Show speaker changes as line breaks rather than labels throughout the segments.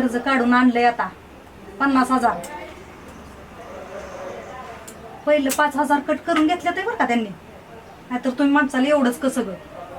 कर्ज काढून आणलंय आता 50,000. पहिलं 5,000 कट करून घेतलं ते बरं का त्यांनी, नाहीतर तुम्ही माणसाला एवढंच कसं ग.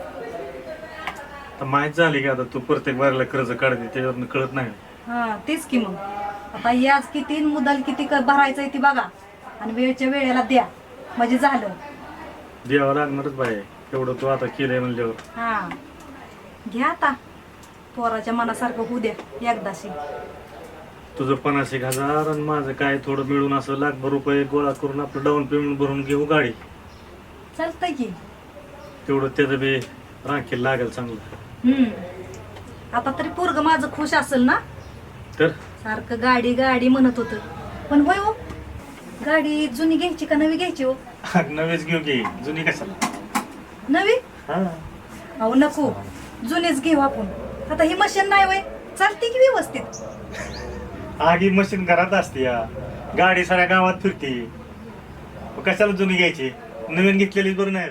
माहित झाली की आता तू प्रत्येक बारीला कर्ज काढते त्याच्यावरनं कळत नाही.
हा तेच की मग आता याज किती मुदल किती भरायचंय ती बघा आणि वेळच्या वेळेला द्या म्हणजे झालं.
द्यावं लागणारच बाय, एवढं तू आता केलंय म्हणल्यावर.
हा घ्या आता, पोराच्या मनासारखं होऊ द्या एकदाशी.
तुझं 50,000 आणि माझं काय थोडं मिळून असं लाखभर रुपये गोळा करून आपलं डाऊन पेमेंट भरून घेऊ गाडी.
चालतंय की.
तेवढं त्याचं बी राखील लागेल चांगलं.
आता तरी पोरग माझं खुश असेल ना.
तर
सारखं गाडी गाडी म्हणत होत. पण होय हो, गाडी जुनी घ्यायची का नवी घ्यायची हो?
नवीच घेऊ की, जुनी कशाला.
नवी?
हा
अहो नको, जुनीच घेऊ आपण. आता ही मशीन नाही वय, चालते की व्यवस्थित.
आगी मशीन घरात असते या, गाडी साऱ्या गावात फिरते, कशाला जुनी घ्यायची, नवीन घेतलेली बरं नाही.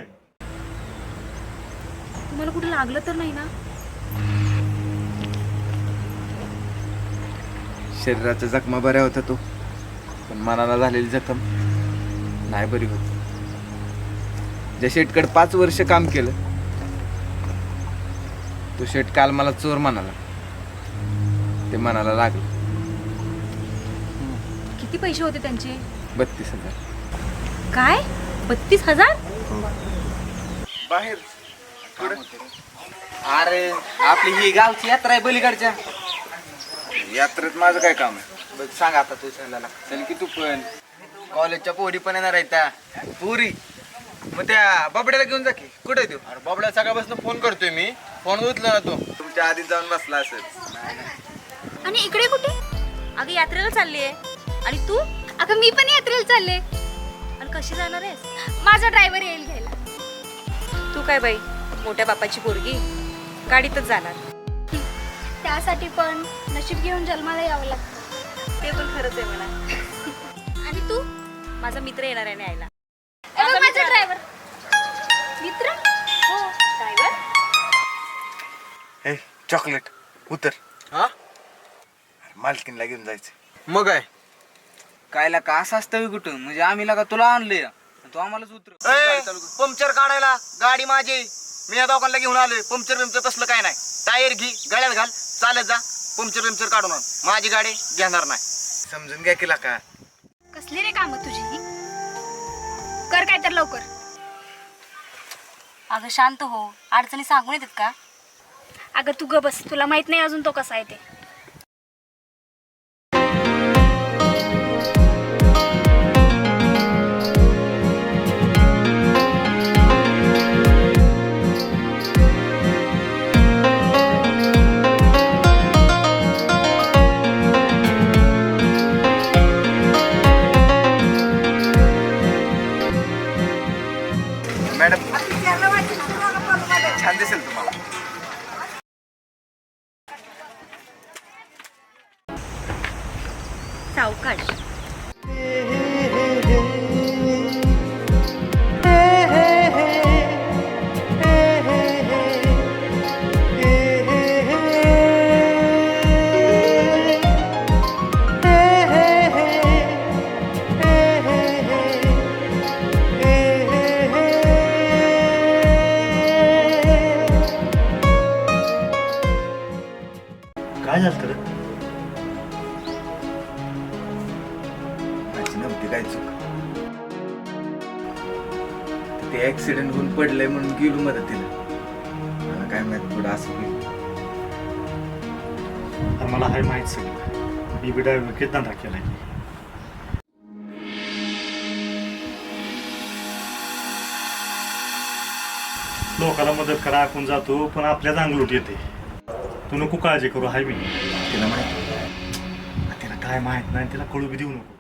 तुम्हाला कुठे लागलं तर नाही ना?
शरीराच्या जखमा बऱ्या होत्या तो, पण मनाला झालेली जखम नाही बरी होत. ज्या शेटकडे 5 वर्ष काम केलं तो शेट काल मला चोर म्हणाला. ते मनाला लागलं.
किती पैसे होते त्यांचे?
32,000.
काय 32,000?
बाहेर अरे आपली ही गावची यात्रा आहे बलीकडच्या यात्रेत माझं काय काम आहे बघ. सांग आता तू चला चल की तू पण. कॉलेजच्या पोरी पण येणार आहेत त्या पुरी. मग त्या बाबड्याला घेऊन जा की. कुठे आहे तू? अरे बाबड्या सकाळपासून फोन करतोय मी, फोन उचला ना तू. तुमच्या आधीच जाऊन बसला असेल.
आणि इकडे कुठे? अगं यात्रेला चालली आहे. आणि तू? अगं मी पण यात्रेला चालले. आणि कशी जाणार आहेस? माझा ड्रायव्हर येईल घ्यायला. तू काय बाई मोठ्या बापाची पोरगी, गाडीतच जाणार.
त्यासाठी पण नशीब घेऊन जन्माला यावं लागतं.
ते पण खरंच आहे म्हणा.
आणि तू?
माझा मित्र येणार आहे न्यायला.
माझा ड्रायव्हर मित्र.
हो ड्रायव्हर.
हे चॉकलेट उतर. हा मालकीनला घेऊन जायचं. मग काय कायला का असं असतं कुठं? म्हणजे आम्ही लागा तुला आणलंय, तू आम्हालाच उतर.
पंक्चर काढायला गाडी माझी, मी या दोघांना घेऊन आलोय. पंक्चर तसलं काय नाही. टायर घे, गळ्यात घाल, चालत जा. पंक्चर काढून आण. माझी गाडी घेणार नाही.
समजून घ्या की का.
कसली रे काम तुझी ही? कर काय तर लवकर.
अगं शांत हो, अडचणी सांगून येतात का?
अगं तू ग बस, तुला माहित नाही अजून तो कसा आहे ते.
मॅडम छान दिसेल तुम्हाला.
सावकाश.
काय झालं तर
माझी नव्हती काय चूक. ते ऍक्सिडेंट होऊन पडलंय म्हणून गेलो मदतीला. मला काय माहित पुढं असं होईल.
मला हाय माहित सगळं. मी बी ड्रायव्हर किती धंदा केलाय. लोकांना मदत करा आपण जातो, पण आपल्याच अंगलूट येते. तू नको काळजी करू, हाय मी.
तिला माहिती
तिला काय माहित नाही, तिला कळू बी देऊ नको.